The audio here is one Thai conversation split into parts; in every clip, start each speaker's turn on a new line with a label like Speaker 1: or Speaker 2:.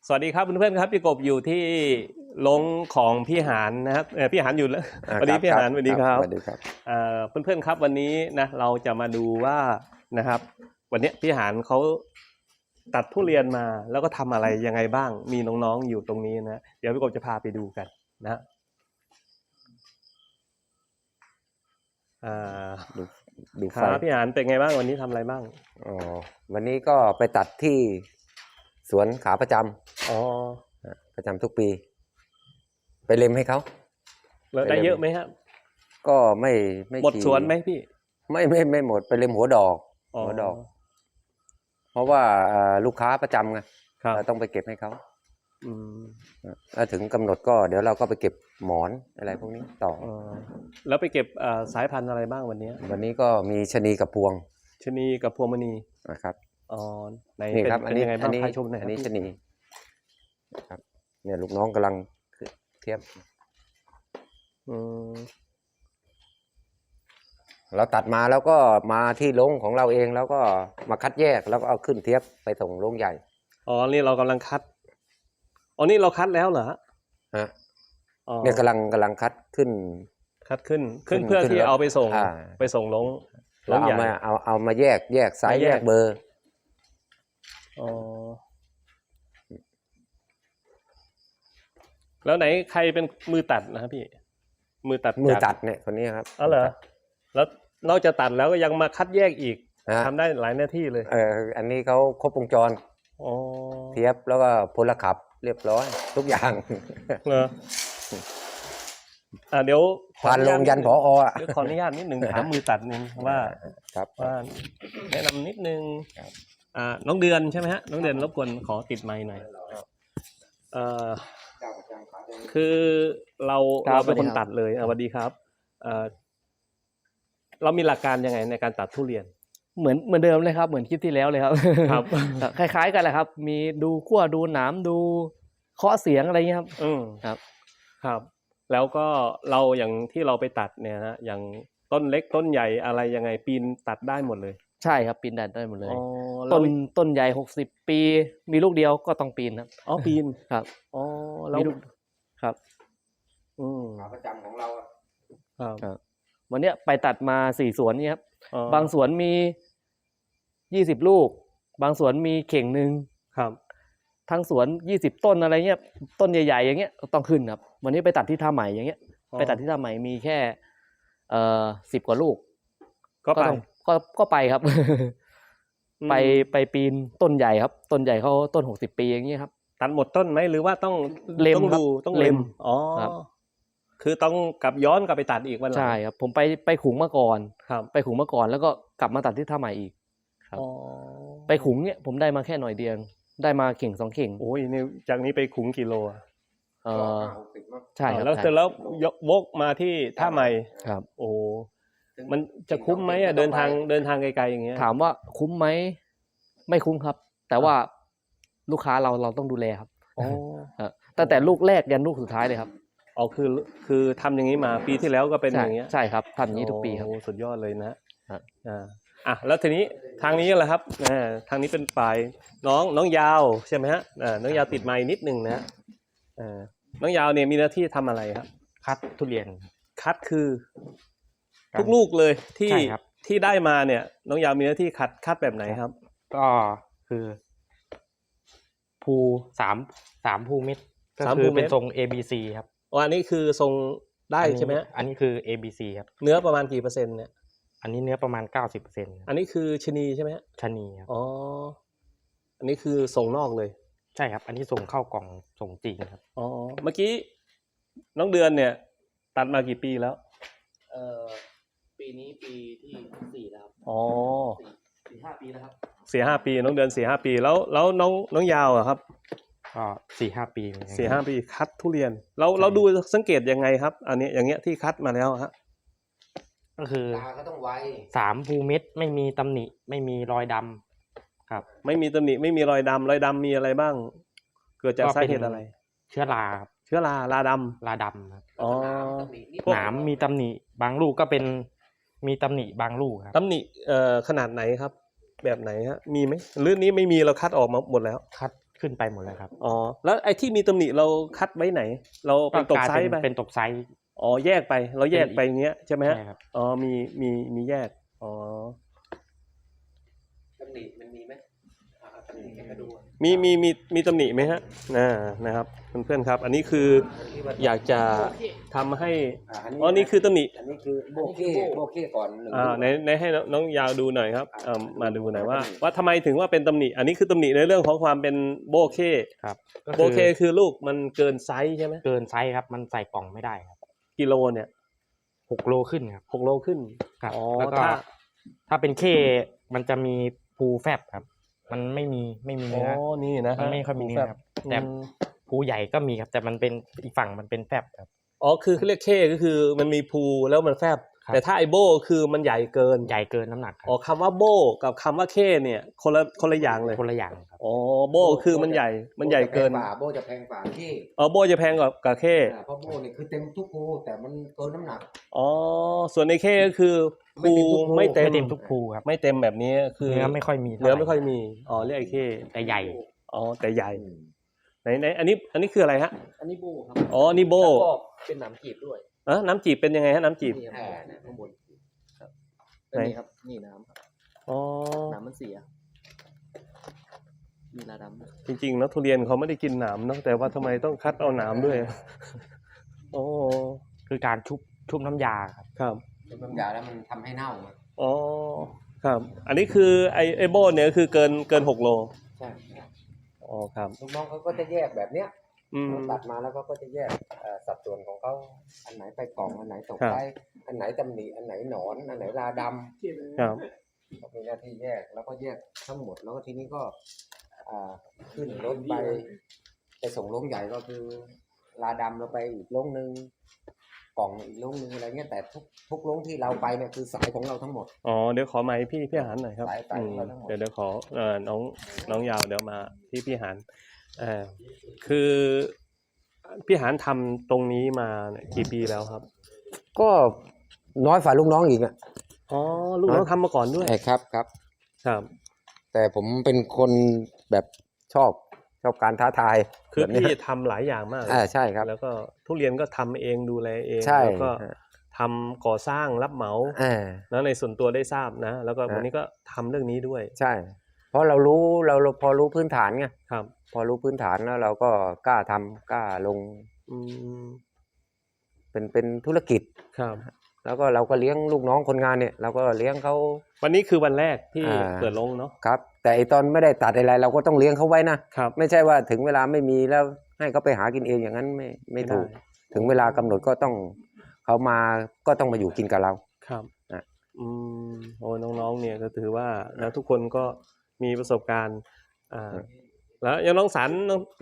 Speaker 1: สวัสดีครับเพื่อนๆครับพี่กบอยู่ที่ลงของพี่หานนะครับพี่หานอยู่แล้ววันนี้พี่หานสวัสดีครับ
Speaker 2: สวัสดีครับ
Speaker 1: เพื่อนๆครับวันนี้นะเราจะมาดูว่านะครับวันนี้พี่หานเขาตัดทุเรียนมาแล้วก็ทำอะไรยังไงบ้างมีน้องๆอยู่ตรงนี้นะเดี๋ยวพี่กบจะพาไปดูกันนะ
Speaker 2: ดู
Speaker 1: ค
Speaker 2: ไฟ
Speaker 1: รับพี่หานเป็นไงบ้างวันนี้ทำอะไรบ้าง
Speaker 2: อ๋อวันนี้ก็ไปตัดที่สวนขาประจำประจำทุกปี ไปเล็มให้เขา
Speaker 1: แล้วได้เยอะไหมครับ
Speaker 2: ก็ไม่
Speaker 1: หมดสวนไหมพี่
Speaker 2: ไม่หมดไปเล็มหัวดอกเพราะว่าลูกค้าประจำไงเราต้องไปเก็บให้เขาถ้าถึงกำหนดก็เดี๋ยวเราก็ไปเก็บหมอนอะไรพวกนี้ต่อ
Speaker 1: แล้วไปเก็บสายพันธุ์อะไรบ้างวันนี้
Speaker 2: ก็มีชะนีกับพวง
Speaker 1: ชะนีกับพวงมณี
Speaker 2: นะครับ
Speaker 1: นี่
Speaker 2: ครับ
Speaker 1: เป็นยังไงบ้างพาชมหน่อย
Speaker 2: อันนี้ชะนีครับเนี่ยลูกน้องกำลังเทียบเราตัดมาแล้วก็มาที่โรงของเราเองแล้วก็มาคัดแยกแล้วก็เอาขึ้นเทียบไปส่งโรงใหญ่
Speaker 1: นี่เรากำลังคัดนี่เราคัดแล้วเหรอ
Speaker 2: ฮะเนี่ยกำลังคัดขึ้น
Speaker 1: เพื่อที่เอาไปส่งโรงใหญ่
Speaker 2: เอามาแยกไซส์แยกเบอร์
Speaker 1: แล้วไหนใครเป็นมือตัดนะครับพี่มือตัด
Speaker 2: เนี่ยคนนี้ครับ
Speaker 1: เหรอแล้วนอกจากตัดแล้วก็ยังมาคัดแยกอีกทำได้หลายหน้าที่เลย
Speaker 2: อันนี้เขาครบวงจรเทียบแล้วก็พลขับเรียบร้อยทุกอย่าง
Speaker 1: เหรอเดี๋ยว
Speaker 2: ผ่านลงยันผอ.
Speaker 1: ขออนุญาตนิดหนึ่งถามมือตัดนึงว่าแนะนำนิดนึงน้องเดือนใช่ไหมฮะน้องเดือนรบกวนขอติดไมค์หน่อยคือเราเป็นคนตัดเลยสวัสดีครับเรามีหลักการยังไงในการตัดทุเรียน
Speaker 3: เหมือนเดิมเลยครับเหมือนคลิปที่แล้วเลยครับ
Speaker 1: ครับ
Speaker 3: คล้ายๆกันแหละครับมีดูขั้วดูหนามดูเคาะเสียงอะไรเงี้ยครับ
Speaker 1: ครับแล้วก็เราอย่างที่เราไปตัดเนี่ยนะอย่างต้นเล็กต้นใหญ่อะไรยังไงปีนตัดได้หมดเลย
Speaker 3: ใช่ครับปีนได้หมดเลยต้นใหญ่60 ปีมีลูกเดียวก็ต้องปีนครับ
Speaker 1: ปีน
Speaker 3: ครับ
Speaker 1: แล้ว
Speaker 3: ครับ
Speaker 2: ขาประจำของเรา
Speaker 3: ครับวันนี้ไปตัดมา4 สวนนี่ครับบางสวนมี20 ลูกบางสวนมีเข่งนึง
Speaker 1: ครับ
Speaker 3: ทั้งสวน20 ต้นอะไรเงี้ยต้นใหญ่ๆอย่างเงี้ยต้องขึ้นครับวันนี้ไปตัดที่ท่าใหม่อย่างเงี้ยไปตัดที่ท่าใหม่มีแค่10 กว่าลูกก็ไปครับ ไปปีนต้นใหญ่ครับต้นใหญ่เขาต้น60 ปีอย่างเงี้ยครับ
Speaker 1: ตัดหมดต้นไหมหรือว่าต้อง
Speaker 3: เล็ม
Speaker 1: ต้องเล็มคือต้องย้อนกลับไปตัดอีกวันหลัง
Speaker 3: ใช่ครับผมไปขุงมาก่อนไปขุงมาก่อนแล้วก็กลับมาตัดที่ท่าใหม่อีกครับไปขุงเนี่ยผมได้มาแค่หน่อยเดียวได้มาเข่ง2 เข่ง
Speaker 1: โอ้ยนี่จากนี้ไปขุงกิโล
Speaker 3: ใช่ครับ
Speaker 1: แล้ววกมาที่ท่าใหม่
Speaker 3: ครับ
Speaker 1: โอ้มันจะคุ้มไหมเดินทางไกลๆอย่างเงี้ย
Speaker 3: ถามว่าคุ้มไหมไม่คุ้มครับแต่ว่าลูกค้าเราต้องดูแลครับตั้งแต่ลูกแรกยันลูกสุดท้ายเลยครับ
Speaker 1: คือทำอย่างนี้มาปีที่แล้วก็เป็นอย่างเงี้ย
Speaker 3: ใช่ครับทำอย่างนี้ทุกปีครับ
Speaker 1: สุดยอดเลยนะแล้วทีนี้ทางนี้แหละครับทางนี้เป็นฝ่ายน้องยาวใช่ไหมฮะน้องยาวติดไมค์นิดนึงนะน้องยาวเนี่ยมีหน้าที่ทำอะไรครับ
Speaker 4: คัดทุเรียน
Speaker 1: คัดคือทุกลูกเลยที่ได้มาเนี่ยน้องยาวมีหน้าที่คัดแบบไหนครับ
Speaker 4: ก็คือภูสามภูเม็ดก็คือเป็นทรง ABC ครับ
Speaker 1: อันนี้คือทรงได้ใช่ไหม
Speaker 4: อันนี้คือ ABC ครับ
Speaker 1: เนื้อประมาณกี่เปอร์เซ็นต์เนี่ย
Speaker 4: อันนี้เนื้อประมาณ 90%
Speaker 1: อันนี้คือชนีใช่ไหม
Speaker 4: ชนีครับ
Speaker 1: อันนี้คือส่งนอกเลย
Speaker 4: ใช่ครับอันนี้ส่งเข้ากล่องส่งจริงครับ
Speaker 1: เมื่อกี้น้องเดือนเนี่ยตัดมากี่ปีแล้ว
Speaker 3: ปีนี้ปีที่4แล้วครับ4-5 ปีแล้วครับ
Speaker 1: 4-5 ปีน้องเดือน4-5 ปีแล้วน้องยาวอะครับ
Speaker 4: ก็4-5 ปี
Speaker 1: 4-5 ปีคัดทุเรียนเราดูสังเกตยังไงครับอันนี้อย่างเงี้ยที่คัดมาแล้วฮะ
Speaker 4: ก็คือ3 ภูเม็ดไม่มีตำหนิไม่มีรอยดำครับ
Speaker 1: ไม่มีตำหนิไม่มีรอยดำมีอะไรบ้างเกิดจากสาเหตุอะไร
Speaker 4: เชื้อรา
Speaker 1: ราด
Speaker 4: ำครับหนามมีตำหนิบางลูกก็เป็นมีตำหนิบางลูกครับ
Speaker 1: ตำหนิขนาดไหนครับแบบไหนฮะมีไหมหรือนี้ไม่มีเราคัดออกมาหมดแล้ว
Speaker 4: คัดขึ้นไปหมดเลยครับ
Speaker 1: อ๋อแล้วไอ้ที่มีตำหนิเราคัดไว้ไหน เราเป็นตกไซส์ไป
Speaker 4: เป็นตกไซส์
Speaker 1: อ๋อแยกไปเราแยกไปอย่างเงี้ยใช่ไหมฮะ
Speaker 4: ใช่ครับ
Speaker 1: อ๋อมีแยกอ๋อ
Speaker 2: ตำหนิมันมีไหมตำหนิให้มาดู
Speaker 1: มีตำหนิไหมฮะนะครับเพื่อนๆครับ อันนี้คืออยากจะทำให้อ๋อนี่คือตำหนิ
Speaker 2: อันนี้คือโบเก้ก่อนหนึ่ง
Speaker 1: ในให้น้องยาวดูหน่อยครับมาดูหน่อยว่าทำไมถึงว่าเป็นตำหนิอันนี้คือตำหนิในเรื่องของความเป็นโบเก้
Speaker 4: ครับ
Speaker 1: โบเก้คือลูกมันเกินไซส์ใช่ไหม
Speaker 4: เกินไซส์ครับมันใส่กล่องไม่ได้ครับ
Speaker 1: กิโลเนี่ย
Speaker 4: 6 โลขึ้นครับ
Speaker 1: 6 โลขึ้น
Speaker 4: ครับ
Speaker 1: อ๋อ
Speaker 4: แล้วก็ถ้าเป็นเคมันจะมีภูแฟบครับ มันไม่มีเนื้อ
Speaker 1: นี่นะ
Speaker 4: มันไม่ค่อยมีเนื้อครับแต่ภูใหญ่ก็มีครับแต่มันเป็นอีกฝั่งมันเป็นแฟบครับ
Speaker 1: อ๋อคือเขาเรียกเคก็คือมันมีภูแล้วมันแฟบ
Speaker 4: ครับ
Speaker 1: แต่ถ้าไอโบคือมันใหญ่เกิน
Speaker 4: ใหญ่เกินน้ำหนักครับ
Speaker 1: อ๋อคำว่าโบกับคำว่าเคเนี่ยคนละอย่างเลย
Speaker 4: คนละอย่างครับ
Speaker 1: อ๋อโบคือมันใหญ่เกิน
Speaker 2: โบจะแพงกว่าที่
Speaker 1: อ๋อโบจะแพงกว่าเค
Speaker 2: เพราะโบนี่คือเต็มทุกภูแต่มันเกินน้ำหนัก
Speaker 1: อ๋อส่วนในเคก็คือภูไม่
Speaker 4: ไม่
Speaker 1: เต็ม
Speaker 4: เต็มทุกภูครับ
Speaker 1: ไม่เต็มแบบนี้คือ
Speaker 4: เนื้อไม่ค่อยมี
Speaker 1: เนื้อไม่ค่อยมีอ๋อเรียกไอเค
Speaker 4: แต่ใหญ่
Speaker 1: อ๋อแต่ใหญ่ไหนอันนี้คืออะไรฮะ
Speaker 3: อันนี้โบครับ
Speaker 1: อ๋อนี่โบ
Speaker 3: แล้วก็เป็นหนามจีบด้วย
Speaker 1: น้ำจีบเป็นยังไงฮะน้ำจีบ
Speaker 3: นี่ครับข้างบนครับเป็นนี่ครับนี่น้ำครับ
Speaker 1: อ๋อ
Speaker 3: น้ำมันเสียมีลาดำ
Speaker 1: จริงๆแล้วทุเรียนเขาไม่ได้กินหนามเนาะแต่ว่าทำไมต้องคัดเอาหนามด้วยโอ้
Speaker 4: คือการชุบน้ำยาครับ
Speaker 1: ครับ
Speaker 2: น้ำยาแล้วมันทำให้เน่า
Speaker 1: อ๋อครับ อันนี้คือไอโบเนี่ยคือเกิน6 โล
Speaker 2: ใช่
Speaker 1: อ๋อครับ
Speaker 2: ลูกน้องเขาก็จะแยกแบบเนี้ย
Speaker 1: อืม
Speaker 2: ตัดมาแล้วก็จะแยกสัดส่วนของเขาอันไหนไปกล่องอันไหนตก
Speaker 1: ครับ
Speaker 2: ไปอันไหนตำหนิอันไหนหนอนอันไหนราดำ
Speaker 1: ครับ
Speaker 2: ก็มีหน้าที่แยกแล้วก็แยกทั้งหมดแล้วก็ทีนี้ก็ขึ้นรถไปส่งโรงใหญ่ก็คือราดำเราไปอีกโรงนึงกล่องอีกโรงนึงอะไรเงี้ยแต่ทุกโรงที่เราไปเนี่ยคือสายของเราทั้งหมด
Speaker 1: อ๋อเดี๋ยวขอไมค์พี่หานหน่อยครับ
Speaker 2: สายของเราทั้งหมด
Speaker 1: เดี๋ยวขอน้องยาวเดี๋ยวมาที่พี่หานคือพี่หานทำตรงนี้มาเนี่ยกี่ปีแล้วครับ
Speaker 2: ก็น้อยฝ่าลูกน้องอีกอ่ะ
Speaker 1: อ๋อลูกน้องทำมาก่อนด้วย
Speaker 2: ใช่ครับ
Speaker 1: ครับ
Speaker 2: แต่ผมเป็นคนแบบชอบการท้าทาย
Speaker 1: คือ
Speaker 2: แบบนี้
Speaker 1: พี่ทำหลายอย่างมากเลย
Speaker 2: ใช่ครับ
Speaker 1: แล้วก็ทุเรียนก็ทำเองดูแลเอง
Speaker 2: ใช่
Speaker 1: แล้วก็ทำก่อสร้างรับเหมา แล้วในส่วนตัวได้ทราบนะ แล้วก็วันนี้ก็ทำเรื่องนี้ด้วย
Speaker 2: ใช่ เพราะเราพอรู้พื้นฐานไง
Speaker 1: ครับ
Speaker 2: พอรู้พื้นฐานแล้วเราก็กล้าทำกล้าลง
Speaker 1: อืม
Speaker 2: เป็นธุรกิจ
Speaker 1: ครับ
Speaker 2: แล้วก็เราก็เลี้ยงลูกน้องคนงานเนี่ยเราก็เลี้ยงเขา
Speaker 1: วันนี้คือวันแรกที่
Speaker 2: อ่า
Speaker 1: เปิดลงเนาะ
Speaker 2: ครับ แต่ไอตอนไม่ได้ตัดอะไรเราก็ต้องเลี้ยงเขาไว้นะครับ ไม่ใช่ว่าถึงเวลาไม่มีแล้วให้เขาไปหากินเองอย่างนั้นไม่ถูก
Speaker 1: ได้
Speaker 2: ถึงเวลากำหนดก็ต้องเขามาก็ต้องมาอยู่กินกับเรา
Speaker 1: ครับ
Speaker 2: อ่ะ
Speaker 1: โอ้น้องๆเนี่ยก็ถือว่าแล้วทุกคนก็มีประสบการณ์แล้วยังน้องสัน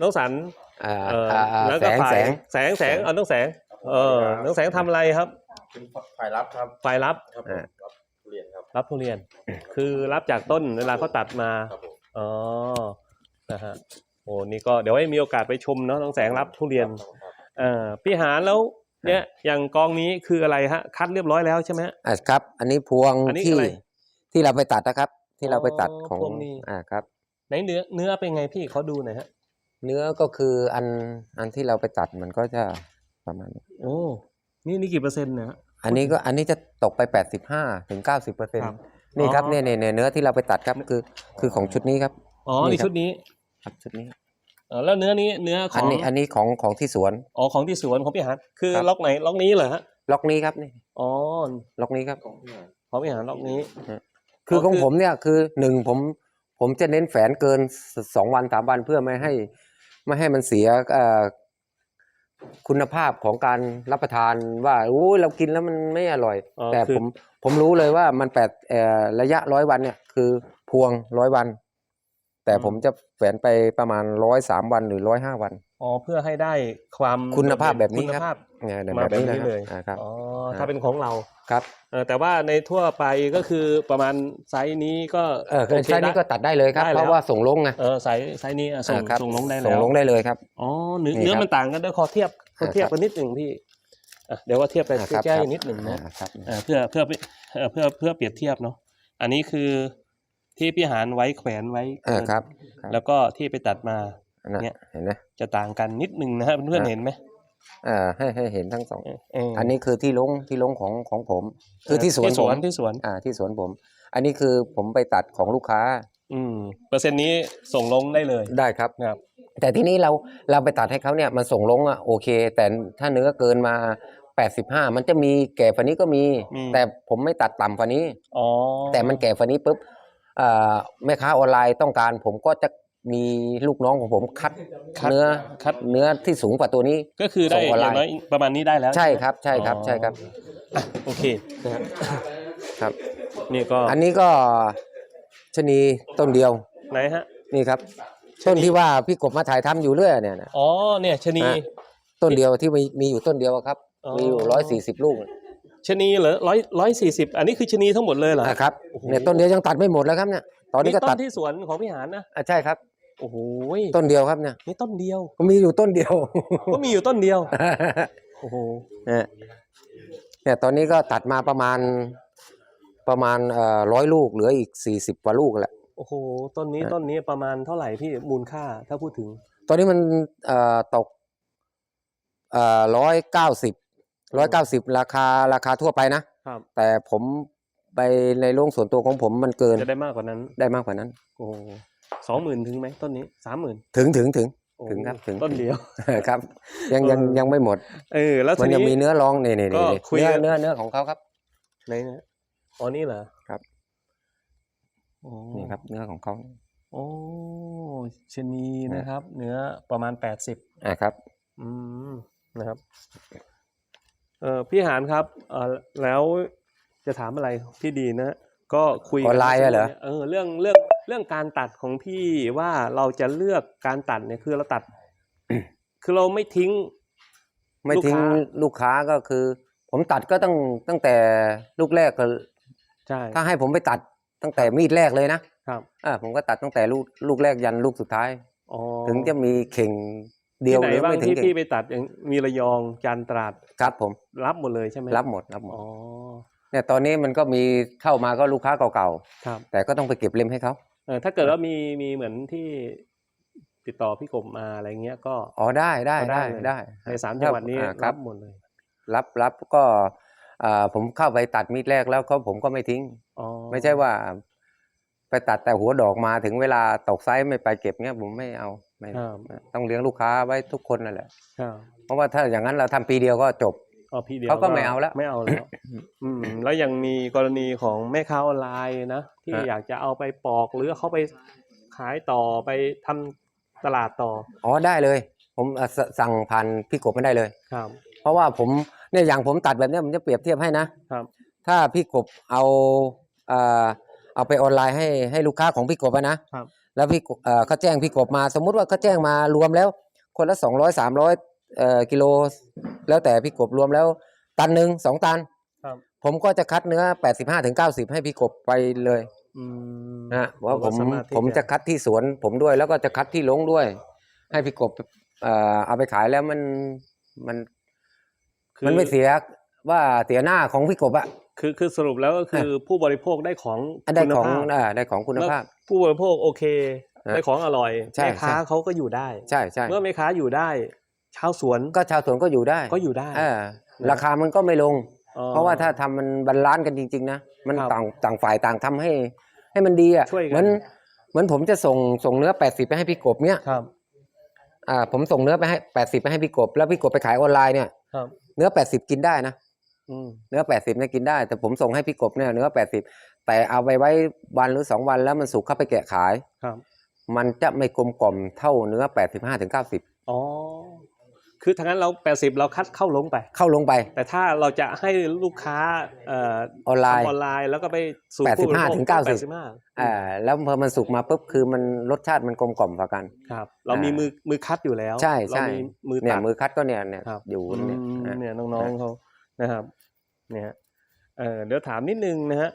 Speaker 1: แล้วก็ฝ่ายแสงเอาน้องแสงน้องแสงทำอะไรครับ
Speaker 5: เป็นฝ่ายรับครับ
Speaker 1: ฝ่ายรับ
Speaker 5: ครับผมรับทุเรียนครับ
Speaker 1: รับทุเรียน คือรับจากต้นเวลาเขาตัดมา
Speaker 5: ครับผม
Speaker 1: อ๋อนะฮะโอ้นี่ก็เดี๋ยวให้มีโอกาสไปชมเนาะน้องแสงรับทุเรียน พี่หาแล้วเนี่ยอย่างกองนี้คืออะไรฮะคัดเรียบร้อยแล้วใช่ไหม
Speaker 2: ครับ อันนี้พวง
Speaker 1: อันนี้
Speaker 2: ที่
Speaker 1: อะไร
Speaker 2: ที่เราไปตัดนะครับ ที่เราไปตัด
Speaker 1: อ๋อ
Speaker 2: ของ
Speaker 1: พวงนี้
Speaker 2: ครับ
Speaker 1: ไหนเนื้อเป็นไงพี่เขาดูหน่อยฮะ
Speaker 2: เนื้อก็คืออันที่เราไปตัดมันก็จะประมาณนี้
Speaker 1: โอ้นี่กี่เปอร์เซ็นต์เนี่ยฮะ
Speaker 2: อันนี้จะตกไป 85-90%
Speaker 1: ครับ
Speaker 2: นี่ครับ
Speaker 1: อ๋อ
Speaker 2: เนี่ยเนื้อที่เราไปตัดครับคือของชุดนี้ครับ
Speaker 1: อ๋อ
Speaker 2: นี่
Speaker 1: นี่
Speaker 2: ครับ
Speaker 1: ชุดนี้
Speaker 2: ครับชุดนี้
Speaker 1: แล้วเนื้อข
Speaker 2: อั
Speaker 1: อน ง
Speaker 2: นี้ของที่สวน
Speaker 1: อ๋อของที่สวนของพี่หาคือ
Speaker 2: ครับ
Speaker 1: ล็อกไหนล็อกนี้เหรอฮะ
Speaker 2: ล็อกนี้ครับนี่
Speaker 1: อ๋อ
Speaker 2: ล็อกนี้ครับ
Speaker 1: ของพี่หาล็อกนี้
Speaker 2: คือของ
Speaker 1: คือ
Speaker 2: ผมเนี่ยคือผมจะเน้นแฝนเกิน2 วัน3 วันเพื่อไม่ให้มันเสียคุณภาพของการรับประทานว่าโอ้ยเรากินแล้วมันไม่อร่อย แต่
Speaker 1: คือ
Speaker 2: ผมรู้เลยว่ามันระยะ100 วันเนี่ยคือพวง100 วัน แต่ผมจะแฝนไปประมาณ103 วันหรือ105 วัน
Speaker 1: อ๋อเพื่อให้ได้ความ
Speaker 2: คุณภาพแบบนี้
Speaker 1: คุณ
Speaker 2: ครับ
Speaker 1: ภาพ
Speaker 2: เนี่ย
Speaker 1: มาแบบนี้
Speaker 2: นะ
Speaker 1: เลย
Speaker 2: ครับ
Speaker 1: อ๋อถ้าเป็นของเรา
Speaker 2: ครับ
Speaker 1: แต่ว่าในทั่วไปก็คือประมาณไซส์นี้ก็
Speaker 2: ไซส์นี้ก็ตัดได้เลยครับ
Speaker 1: ได้แล้ว
Speaker 2: เพราะว่าส่งลงไง
Speaker 1: ไซส์นี้ส่ง
Speaker 2: ครับ
Speaker 1: ส่งลงได้แล้ว
Speaker 2: ส่งลงได้เลยครับ
Speaker 1: อ๋อ
Speaker 2: นี่
Speaker 1: เนื้อ
Speaker 2: ครับ
Speaker 1: มันต่างกันด้วยขอเทียบกันนิดหนึ่งพี่เดี๋ยวว่าเทียบไป
Speaker 2: ครับ
Speaker 1: ใกล้
Speaker 2: ครับ
Speaker 1: ๆนิดหนึ่งนะ
Speaker 2: ครับ
Speaker 1: เพื่อเปรียบเทียบเนาะอันนี้คือที่พี่หารไว้แขวนไว้
Speaker 2: ครับ
Speaker 1: แล้วก็ที่ไปตัดมา
Speaker 2: นะ
Speaker 1: เนี่ย
Speaker 2: เห็นไหม
Speaker 1: จะต่างกันนิดนึงนะฮะเพื่อนๆเห็นไหม
Speaker 2: ให้เห็นทั้งสอง
Speaker 1: เออ
Speaker 2: อันนี้คือที่ลงของผม คือที่สวน
Speaker 1: ที่สวน
Speaker 2: ผม
Speaker 1: ที่สวน
Speaker 2: ที่สวนผม อันนี้คือผมไปตัดของลูกค้า
Speaker 1: เปอร์เซ็นต์นี้ส่งลงได้เลย
Speaker 2: ได้ครับ
Speaker 1: นะครับ
Speaker 2: แต่ทีนี้เราไปตัดให้เขาเนี่ยมันส่งลงโอเค แต่ถ้าเนื้อเกินมา85มันจะมีแก่ฝันนี้ก็มี แต่ผมไม่ตัดต่ำฝันนี้
Speaker 1: อ๋อ
Speaker 2: แต่มันแก่ฝันนี้ปุ๊บแม่ค้าออนไลน์ต้องการผมก็จะมีลูกน้องของผมคัดเนื้อที่สูงกว่าตัวนี้
Speaker 1: ก็คือได้
Speaker 2: ส่งออน
Speaker 1: อ
Speaker 2: ไล
Speaker 1: ย่าง
Speaker 2: น์
Speaker 1: น้อยประมาณนี้ได้แล้ว
Speaker 2: ใช่ครับใช่ครับใช่ครับ
Speaker 1: โอเคนะฮะ
Speaker 2: ครับ
Speaker 1: นี่ก็
Speaker 2: อันนี้ก็ชะนีต้นเดียว
Speaker 1: ไหนฮะ
Speaker 2: นี่ครับต้นที่ว่าพี่กบมาถ่ายทำอยู่เรื่อยเนี่ยนะ
Speaker 1: อ๋อเนี่ยชะนี
Speaker 2: ต้นเดียวที่มีอยู่ต้นเดียวครับ
Speaker 1: อ๋อ
Speaker 2: มีอยู่140 ลูก
Speaker 1: ชะนีเหรอ140อันนี้คือชะนีทั้งหมดเลยเหรอ
Speaker 2: นะครับเนี่ยต้นเดียวยังตัดไม่หมดแล้วครับเนี่ยตอนนี้ก็
Speaker 1: ต้
Speaker 2: ตัด
Speaker 1: นที่สวนของพี่หานนะ
Speaker 2: ใช่ครับ
Speaker 1: โอ้โห
Speaker 2: ต้นเดียวครับเนี่ย
Speaker 1: นี่ต้นเดียว
Speaker 2: ก็มีอยู่ต้นเดียว
Speaker 1: ก็มีอยู่ต้นเดียวโอ้โห
Speaker 2: เนี่ยตอนนี้ก็ตัดมาประมาณ100 ลูกเหลืออีก40 กว่าลูกแหละ
Speaker 1: โอ้โหต้นนี้ประมาณเท่าไหร่พี่มูลค่าถ้าพูดถึง
Speaker 2: ตอนนี้มันตก190ราคาทั่วไปนะครับ แต่ผมไปในโรงส่วนตัวของผมมันเกิน
Speaker 1: จะได้มากกว่านั้น
Speaker 2: ได้มากกว่านั้น
Speaker 1: โอ้โห20,000ถึงไหมต้นนี้30,000
Speaker 2: ถึง
Speaker 1: โอ้
Speaker 2: ถึงครับถึง
Speaker 1: ต้นเดียว
Speaker 2: ครับยังไม่หมด
Speaker 1: แล้ว
Speaker 2: มัน
Speaker 1: ที
Speaker 2: ยัง
Speaker 1: นี้
Speaker 2: มีเนื้อรองนี่
Speaker 1: ก็คุยกัน
Speaker 2: เนื้อของเขาครับ
Speaker 1: ไหนนะอ๋อนี่เหรอ
Speaker 2: ครับ
Speaker 1: โอ้
Speaker 2: นี่ครับเนื้อของเขา
Speaker 1: โอ้ชะนีนะครับ เนื้อประมาณ80
Speaker 2: ครับ
Speaker 1: นะครับพี่หานครับแล้วจะถามอะไรพี่ดีนะ ก็คุย
Speaker 2: ออนไลน์เหรอ
Speaker 1: เรื่องการตัดของพี่ว่าเราจะเลือกการตัดเนี่ยคือเราตัด คือเราไม่ทิ้ง
Speaker 2: ไม่ทิ้งลูกค้าก็คือ ผมตัดก็ตั้งแต่ลูกแรกก็
Speaker 1: ใช่
Speaker 2: ถ้าให้ผมไปตัดตั้งแต่มีดแรกเลยนะครับผมก็ตัดตั้งแต่ลูกแรกยันลูกสุดท้าย
Speaker 1: อ๋อ
Speaker 2: ถึงจะมีเข่งเดียว
Speaker 1: ที่ไหน
Speaker 2: หรือ
Speaker 1: บ้าง
Speaker 2: ไม่ถึง
Speaker 1: ที่
Speaker 2: เข่ง
Speaker 1: พี่ไปตัดอย่างมีระยองจันทร์ตราด
Speaker 2: ครับผม
Speaker 1: รับหมดเลยใช่ไหม
Speaker 2: รับหมด
Speaker 1: อ๋อ
Speaker 2: เนี่ยตอนนี้มันก็มีเข้ามาก็ลูกค้าเก่า
Speaker 1: ครับ
Speaker 2: ๆแต่ก็ต้องไปเก็บเล่มให้เขา
Speaker 1: ถ้าเกิดว่ามีเหมือนที่ติดต่อพี่กบมาอะไรเงี้ยก็
Speaker 2: อ๋อได้
Speaker 1: ใน3จังหวัดนี้
Speaker 2: ครั
Speaker 1: รั
Speaker 2: บบ
Speaker 1: หมดเลย
Speaker 2: รับก็ผมเข้าไปตัดมีดแรกแล้วผมก็ไม่ทิ้ง
Speaker 1: อ๋อ
Speaker 2: ไม่ใช่ว่า ไปตัดแต่หัวดอกมาถึงเวลาตกไซส์ไม่ไปเก็บเงี้ยผมไม่เอาไม่
Speaker 1: ครับ
Speaker 2: ต้องเลี้ยงลูกค้าไว้ทุกคนนั่นแหละ
Speaker 1: ครับ
Speaker 2: เพราะว่าถ้าอย่างนั้นเราทำปีเดียวก็จบ
Speaker 1: อ๋อพี่เดียว
Speaker 2: เขาก็ไม่เอาแล้ว
Speaker 1: ไม่เอาแล้วแล้วยังมีกรณีของแม่ค้าออนไลน์นะที่
Speaker 2: ฮะ
Speaker 1: อยากจะเอาไปปอกหรือเขาไปขายต่อไปทำตลาดต่อ
Speaker 2: อ๋อได้เลย ผมสั่งผ่านพี่กบไม่ได้เลย
Speaker 1: ครับ
Speaker 2: เพราะว่าผมเนี่ยอย่างผมตัดแบบเนี้ยผมจะเปรียบเทียบให้นะครับ ถ้าพี่กบเอาไปออนไลน์ให้ลูกค้าของพี่กบนะครับ แล้วพี่กบเขาแจ้งพี่กบมาสมมุติว่าเขาแจ้งมารวมแล้ว คนละ200-300กิโลแล้วแต่พี่กบรวมแล้วตันหนึ่ง2 ตัน
Speaker 1: ครับ
Speaker 2: ผมก็จะคัดเนื้อ85-90ให้พี่กบไปเลยนะเพราะผมจะคัดที่สวนผมด้วย แล้วก็จะคัดที่ลงด้วย ให้พี่กบเอาไปขายแล้วมันไม่เสียว่าเสียหน้าของพี่กบอะ
Speaker 1: คือสรุปแล้วก็คือผู้บริโภคได้ของ
Speaker 2: ได้
Speaker 1: คุณ
Speaker 2: ของ
Speaker 1: ภาพ
Speaker 2: ได้ของคุณภาพ
Speaker 1: แล้วผู้บริโภคโอเค ได้ของอร่อย
Speaker 2: ใช่
Speaker 1: แม่ค้า
Speaker 2: ใช่
Speaker 1: เขาก็อยู่ได้
Speaker 2: ใช่ใช่
Speaker 1: เมื่อแม่ค้าอยู่ได้ชาวสวน
Speaker 2: ก็ชาวสวนก็อยู่ได้
Speaker 1: ก็อยู่ได้
Speaker 2: ราคามันก็ไม่ลง
Speaker 1: อ๋อ
Speaker 2: เพราะว่าถ้าทำมันบาลานซ์กันจริงๆนะมัน
Speaker 1: ครับ
Speaker 2: ต่างฝ่ายต่างทำให้มันดีอ่ะ
Speaker 1: ช่วยกัน
Speaker 2: เหมือนผมจะส่งเนื้อ80ไปให้พี่กบเนี่ย
Speaker 1: ครับ
Speaker 2: ผมส่งเนื้อไปให้80ไปให้พี่กบแล้วพี่กบไปขายออนไลน์เนี่ย
Speaker 1: ครับ
Speaker 2: เนื้อ80กินได้นะ
Speaker 1: อืม
Speaker 2: เนื้อ80เนี่ยกินได้ แต่ผมส่งให้พี่กบเนี่ยเนื้อ80แต่เอาไปไว้วันหรือ2 วันแล้วมันสุกเข้าไปแกะขาย
Speaker 1: ครับ
Speaker 2: มันจะไม่กลมกล่อมเท่าเนื้อ85-90
Speaker 1: อ๋อคือทางนั้นเรา80เราคัดเข้าลงไป
Speaker 2: เข้าลงไป
Speaker 1: แต่ถ้าเราจะให้ลูกค้า
Speaker 2: ออนไลน์
Speaker 1: ทำออนไลน์แล้วก็ไปสู่
Speaker 2: 85
Speaker 1: ผู้บริโภค
Speaker 2: ถึง 90
Speaker 1: 85
Speaker 2: แล้วพอมันสุกมาปุ๊บคือมันรสชาติมันกลมกล่อมกว่ากัน
Speaker 1: ครับ เรามีมือคัดอยู่แล้ว
Speaker 2: ใช่
Speaker 1: เรา
Speaker 2: ใช่
Speaker 1: มีมือ
Speaker 2: เนี่ย
Speaker 1: ตัด
Speaker 2: มือคัดก็เนี่ย
Speaker 1: ครับ
Speaker 2: อยู่เนี่ย
Speaker 1: เนี่ยน้องๆเขานะครับเนี่ยเดี๋ยวถามนิดนึงนะฮะ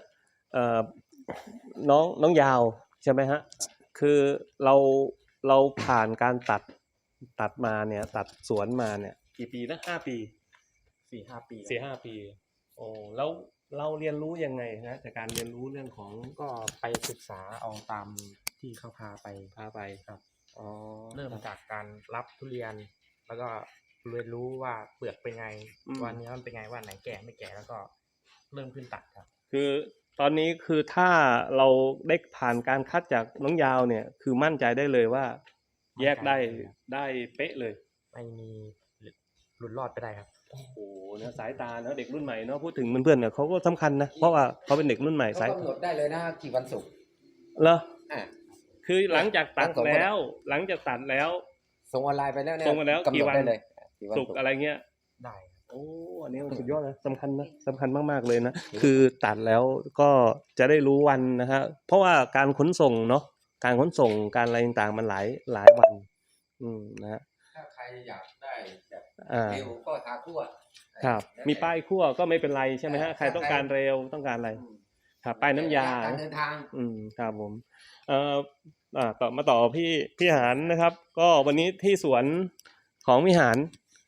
Speaker 1: น้องยาวใช่ไหมฮะคือเราผ่านการตัดมาเนี่ยตัดสวนมาเนี่ยกี่ปีนะ5 ปี
Speaker 4: 4-5 ปี
Speaker 1: 4-5 ปีโอ้แล้วเราเรียนรู้ยังไงฮะจากการเรียนรู้เรื่องของ
Speaker 4: ก็ไปศึกษาเอาตามที่เขาพาไป
Speaker 1: พาไป
Speaker 4: ครับ
Speaker 1: อ๋อ๋อ
Speaker 4: เริ่มจากการรับทุเรียน แล้วก็เรียนรู้ว่าเปลือกเป็นไง ว่าเนื้อมันเป็นไงว่าไหนแก่ไม่แก่แล้วก็เริ่มขึ้นตัดครับ
Speaker 1: คือตอนนี้คือถ้าเราได้ผ่านการคัดจากน้องยาวเนี่ย คือมั่นใจได้เลยว่า แยกได้
Speaker 4: มั่นใจเลยครับ
Speaker 1: ได้เป๊ะเลย
Speaker 4: ไม่มีหลุดรอดไปได้ครับ
Speaker 1: โอ้โหเนี่ยสายตาเนาะเด็กรุ่นใหม่เนาะพูดถึงเพื่อนๆเนี่ยเขาก็สำคัญนะเพราะว่าเขาเป็นเด็กรุ่นใหม่
Speaker 2: เขา
Speaker 1: สาย
Speaker 2: กำหนดได้เลยนะกี่วันศุกร์
Speaker 1: เหรอ
Speaker 2: อ่ะ
Speaker 1: คือหลังจากตัด
Speaker 2: ทั้งสองคน
Speaker 1: แล้ว หลังจากตัดแล้ว
Speaker 2: ส่งออนไลน์ไปแล้วเนี่ย
Speaker 1: ส่งไปแล้ว
Speaker 2: กำห
Speaker 1: กี่
Speaker 2: นด
Speaker 1: วัน
Speaker 2: ได้เลยกี่วัน
Speaker 1: สุกอะไรเงี้ย
Speaker 4: ได้ครับ
Speaker 1: โอ้อันนี้สุดยอดเลยสำคัญนะสำคัญมากๆเลยนะคือตัดแล้วก็จะได้รู้วันนะฮะเพราะว่าการขนส่งเนาะการขนส่งการอะไรต่างๆมันหลายวันนะฮะ
Speaker 2: ถ้าใครอยากได้แบบ
Speaker 1: อ่า
Speaker 2: เร็วก็ทาคั่ว
Speaker 1: ครับ
Speaker 2: แล้วแต่
Speaker 1: มีป้ายคั่วก็ไม่เป็นไรใช่ไหมฮะใครต้องการเร็วต้องการอะไร
Speaker 2: อืม
Speaker 1: ครับป้ายน้ำยา
Speaker 2: การเดินทาง
Speaker 1: ครับผมต่อพี่หานนะครับ ก็วันนี้ที่สวนของพี่หาน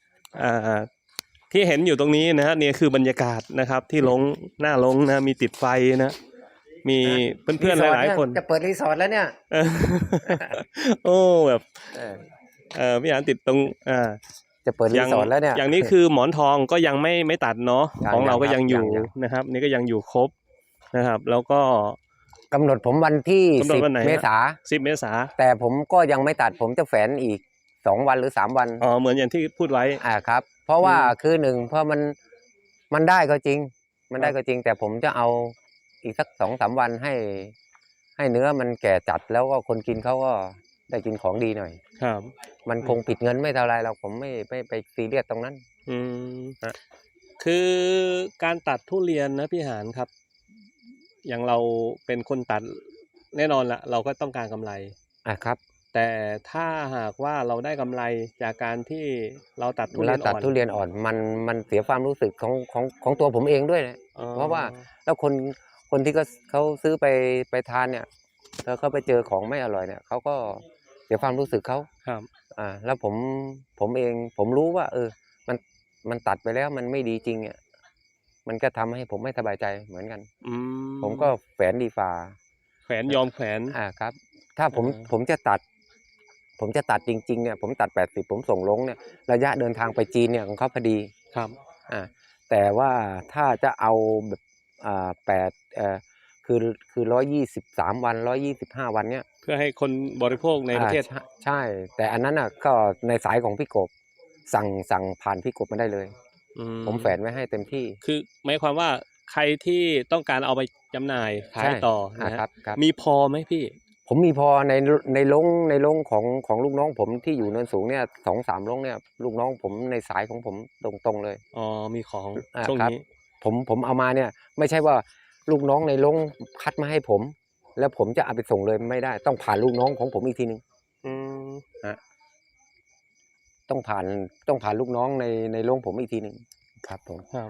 Speaker 1: ที่เห็นอยู่ตรงนี้นะฮะนี่คือบรรยากาศนะครับ ที่ลงหน้าลงนะมีติดไฟนะมีเพื่อนๆหลายๆคน
Speaker 2: จะเปิดรีสอร์ทแล้วเนี่ย
Speaker 1: เออ โอ้แบบ
Speaker 2: เออ
Speaker 1: พี่หานติดตรง
Speaker 2: จะเปิดรีสอร์ทแล้วเนี่ย
Speaker 1: อย่างนี้คือหมอนทองก็ยังไม่ตัดเนาะ
Speaker 2: ยัง
Speaker 1: ของเราก็
Speaker 2: ยัง
Speaker 1: ยังอยู่
Speaker 2: ยัง
Speaker 1: นะครับ นี่ก็ยังอยู่ครบนะครับ แล้วก็
Speaker 2: กำหนดผมวันที่
Speaker 1: กำหนดวันไหนฮะ
Speaker 2: 10 เมษา
Speaker 1: 10 เมษา
Speaker 2: แต่ผมก็ยังไม่ตัดผมจะแฝนอีก2 วันหรือ 3 วัน
Speaker 1: อ๋อเหมือนอย่างที่พูดไว้
Speaker 2: ครับ เพราะว่า
Speaker 1: อืม
Speaker 2: คือหนึ่งเพราะมันได้ก็จริง มันได้ก็จริง แต่ผมจะเอาอีกสัก2-3 วันให้เนื้อมันแก่จัดแล้วก็คนกินเขาก็ได้กินของดีหน่อย
Speaker 1: ครับ
Speaker 2: มันคงผิดเงินไม่เท่าไรเราผมไม่ไปซีเรียสตรงนั้น
Speaker 1: อืมคือการตัดทุเรียนนะพี่หานครับ อย่างเราเป็นคนตัดแน่นอนละเราก็ต้องการกำไร
Speaker 2: ครับ
Speaker 1: แต่ถ้าหากว่าเราได้กำไรจากการที่เราตัดทุเรี
Speaker 2: แล้
Speaker 1: ยว น
Speaker 2: ตั
Speaker 1: อ่
Speaker 2: ด
Speaker 1: อน
Speaker 2: ทุเรียนอ่อนมันเสียความรู้สึกของตัวผมเองด้วยนะ
Speaker 1: อ๋อ
Speaker 2: เพราะว่าแล้วคนที่เขาซื้อไปทานเนี่ยแล้วเขาไปเจอของไม่อร่อยเนี่ยเขาก็เสียความรู้สึกเขา
Speaker 1: ครับ
Speaker 2: แล้วผมเองผมรู้ว่า มันตัดไปแล้วมันไม่ดีจริงอ่ะมันก็ทำให้ผมไม่สบายใจเหมือนกัน
Speaker 1: อื
Speaker 2: ผมก็แฝนดีฝ่า
Speaker 1: แขวนยอมแขวน
Speaker 2: ครับ ถ้าผม
Speaker 1: อ่า
Speaker 2: ผมจะตัดจริงๆเนี่ยผมตัด80ผมส่งลงเนี่ยระยะเดินทางไปจีนเนี่ยของเขาพอดี
Speaker 1: ครับ
Speaker 2: แต่ว่าถ้าจะเอาแบบคือ123 วัน125 วันเนี่ย
Speaker 1: เพื่อให้คนบริโภคในประเทศ
Speaker 2: ใช่ แต่อันนั้นน่ะก็ในสายของพี่กบสั่งผ่านพี่กบมาได้เลย ผมแฝนไว้ให้เต็มที่
Speaker 1: คือหมายความว่าใครที่ต้องการเอาไปจำหน่ายขายต่อนะฮะ
Speaker 2: ครับ
Speaker 1: มีพอไหมพี่
Speaker 2: ผมมีพอในลงของลูกน้องผมที่อยู่เนินสูงเนี่ย2-3 ลงเนี่ยลูกน้องผมในสายของผมตรงๆเลย
Speaker 1: อ๋อมีของ
Speaker 2: ครับ
Speaker 1: ช่วงนี้
Speaker 2: ผมเอามาเนี่ย ไม่ใช่ว่าลูกน้องในลงคัดมาให้ผม แล้วผมจะเอาไปส่งเลยไม่ได้ ต้องผ่านลูกน้องของผมอีกทีนึง
Speaker 1: อืม
Speaker 2: ต้องผ่านลูกน้องในโรงผมอีกทีหนึ่งครับผม
Speaker 1: ครับ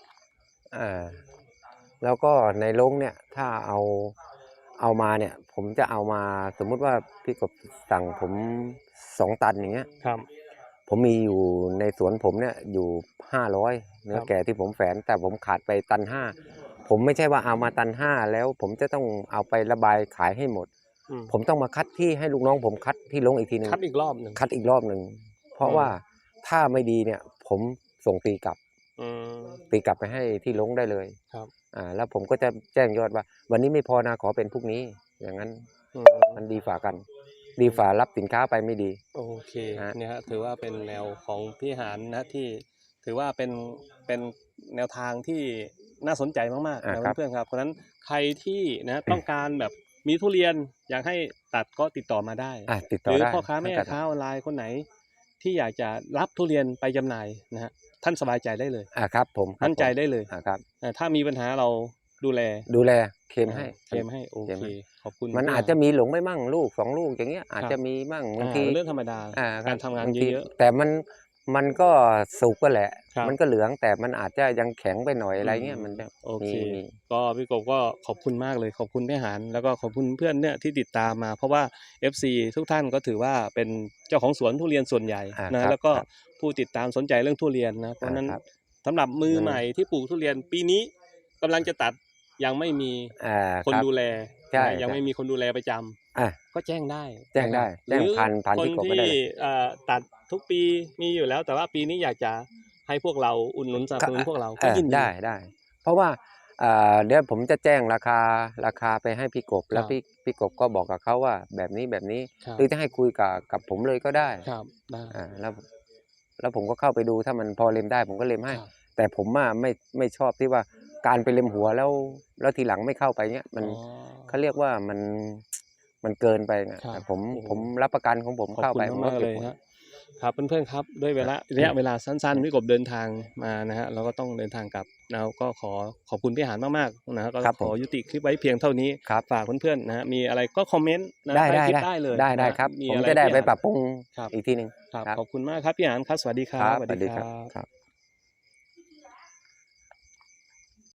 Speaker 2: แล้วก็ในโรงเนี่ยถ้าเอามาเนี่ย ผมจะเอามาสมมุติว่าพี่กบสั่งผม2 ตันอย่างเงี้ย
Speaker 1: ครับ
Speaker 2: ผมมีอยู่ในสวนผมเนี่ยอยู่500เนื้อ
Speaker 1: ครับ
Speaker 2: แก่ที่ผมแฝนแต่ผมขาดไป1.5 ตันผมไม่ใช่ว่าเอามา1.5 ตันแล้วผมจะต้องเอาไประบายขายให้หมด
Speaker 1: อืม
Speaker 2: ผมต้องมาคัดที่ให้ลูกน้องผมคัดที่โรงอีกทีหนึง
Speaker 1: คัดอีกรอบหนึ่ง
Speaker 2: คัดอีกรอบหนึ่งเพราะว่าถ้าไม่ดีเนี่ยผมส่งตีกลับ
Speaker 1: อืม
Speaker 2: ตีกลับไปให้ที่ลงได้เลย
Speaker 1: ครับ
Speaker 2: แล้วผมก็จะแจ้งยอดว่า วันนี้ไม่พอนะขอเป็นพรุ่งนี้ อย่างนั้น
Speaker 1: อืม
Speaker 2: มันดีฝ่ากัน ดีฝ่ารับสินค้าไปไม่ดี
Speaker 1: โอเค
Speaker 2: ฮะ
Speaker 1: เนี่ยฮะถือว่าเป็นแนวของพี่หานนะที่ถือว่าเป็นแนวทางที่น่าสนใจมากๆนะเพื่อนๆครับเพราะฉะนั้นใครที่นะต้องการแบบมีทุเรียนอยากให้ตัดก็ติดต่อมาได้
Speaker 2: ติด
Speaker 1: ห
Speaker 2: ต่อ
Speaker 1: รือ
Speaker 2: ได้
Speaker 1: พ่อค้าแม่ค้าออนไลน์คนไหน ที่อยากจะรับทุเรียนไปจำหน่ายนะฮะท่านสบายใจได้เลย
Speaker 2: ครับผมครับ
Speaker 1: มั่นใจได้เลย
Speaker 2: ครับ
Speaker 1: ถ้ามีปัญหาเราดูแล
Speaker 2: ดูแลเคลมให้
Speaker 1: เคลมให้โอ
Speaker 2: เคลม
Speaker 1: เค
Speaker 2: ให้
Speaker 1: ขอบคุณ
Speaker 2: มัน
Speaker 1: พี่
Speaker 2: อาจจะ
Speaker 1: ห
Speaker 2: มีหลงไม่มั่งลูก2 ลูกอย่างเงี้ยอาจจะมีมั่งบางที
Speaker 1: เรื่องธรรมดา
Speaker 2: คบ
Speaker 1: การทำงาน
Speaker 2: บที
Speaker 1: เยอะ
Speaker 2: แต่มันก็สุกก็แหละ
Speaker 1: ครับ
Speaker 2: มันก็เหลืองแต่มันอาจจะยังแข็งไปหน่อยอะไรเงี้ย
Speaker 1: อืม
Speaker 2: มันจะ
Speaker 1: โอเค
Speaker 2: มี
Speaker 1: ก็พี่กบก็ขอบคุณมากเลยขอบคุณพี่หานแล้วก็ขอบคุณเพื่อนเนี่ยที่ติดตามมา เพราะว่า FC ทุกท่านก็ถือว่าเป็นเจ้าของสวนทุเรียนส่วนใหญ่
Speaker 2: ครั
Speaker 1: นะ
Speaker 2: บ
Speaker 1: แล้วก็
Speaker 2: ครับ
Speaker 1: ผู้ติดตามสนใจเรื่องทุเรียนนะเพราะฉะนั้น
Speaker 2: ครับ
Speaker 1: สำหรับมือ
Speaker 2: อืม
Speaker 1: ใหม่ที่ปลูกทุเรียนปีนี้กำลังจะตัดยังไม่มีคน
Speaker 2: รับ
Speaker 1: ดูแล
Speaker 2: ใช่
Speaker 1: นะยัง
Speaker 2: ใช่
Speaker 1: ไม่มีคนดูแลประจ
Speaker 2: อ่ะ
Speaker 1: ก็แจ้งได้
Speaker 2: แจ้งได้
Speaker 1: นะครับ
Speaker 2: แจ้งผ่าน
Speaker 1: หรือ
Speaker 2: พี่กบ
Speaker 1: คน
Speaker 2: ก็ได้
Speaker 1: ที่
Speaker 2: เลย
Speaker 1: ตัดทุกปีมีอยู่แล้ว แต่ว่าปีนี้อยากจะให้พวกเราอุดหนุนสนับสนุนพวกเราก็ยินดี
Speaker 2: ได้ เพราะว่าเดี๋ยวผมจะแจ้งราคาไปให้พี่กบ แล้ว
Speaker 1: ครับ
Speaker 2: พี่กบก็บอกกับเขาว่าแบบนี้
Speaker 1: ครับ
Speaker 2: หรือจะให้คุยกับผมเลยก็ได้
Speaker 1: ครับได้
Speaker 2: แล้วผมก็เข้าไปดูถ้ามันพอเล็มได้ผมก็เล็มให้
Speaker 1: ครับ
Speaker 2: แต่ผมไม่ชอบที่ว่าการไปเล็มหัวแล้วทีหลังไม่เข้าไปเงี้ยมัน
Speaker 1: อ๋อ
Speaker 2: เขาเรียกว่ามันเกินไปนะครับ แต่ผม
Speaker 1: โอ้โห
Speaker 2: ผมรับประกันของผม
Speaker 1: ขอบ
Speaker 2: เข้า
Speaker 1: คุ
Speaker 2: ไป
Speaker 1: ณ
Speaker 2: ผม
Speaker 1: มา
Speaker 2: ก็
Speaker 1: กๆ
Speaker 2: เก็
Speaker 1: เล
Speaker 2: บ
Speaker 1: ย
Speaker 2: หมด
Speaker 1: ครับเพื่อนๆครับด้วยระยะเวลาสั้นๆพี่กบเดินทางมานะฮะเราก็ต้องเดินทางกลับแล้วก็ขอบคุณพี่หานมากๆนะฮะก็
Speaker 2: ครับ
Speaker 1: ขอ
Speaker 2: ผม
Speaker 1: ยุติคลิปไว้เพียงเท่านี้
Speaker 2: ครับ
Speaker 1: ฝากเพื่อนๆนะฮะมีอะไรก็คอมเมนต์นะ
Speaker 2: ได้
Speaker 1: ใต้
Speaker 2: ได้
Speaker 1: คลิป
Speaker 2: ได้
Speaker 1: ได้เลย
Speaker 2: ได้
Speaker 1: นะฮะ
Speaker 2: ครับ
Speaker 1: มี
Speaker 2: ผม
Speaker 1: อะไร
Speaker 2: จะได้
Speaker 1: พี่
Speaker 2: ไป
Speaker 1: หาน
Speaker 2: ปรับปรุง
Speaker 1: ครับ
Speaker 2: อีกทีหนึ่ง
Speaker 1: ครับ
Speaker 2: ครับ
Speaker 1: ขอบคุณมากครับพี่หานครับสวัสดีครับ
Speaker 2: สวัสดีครับครับ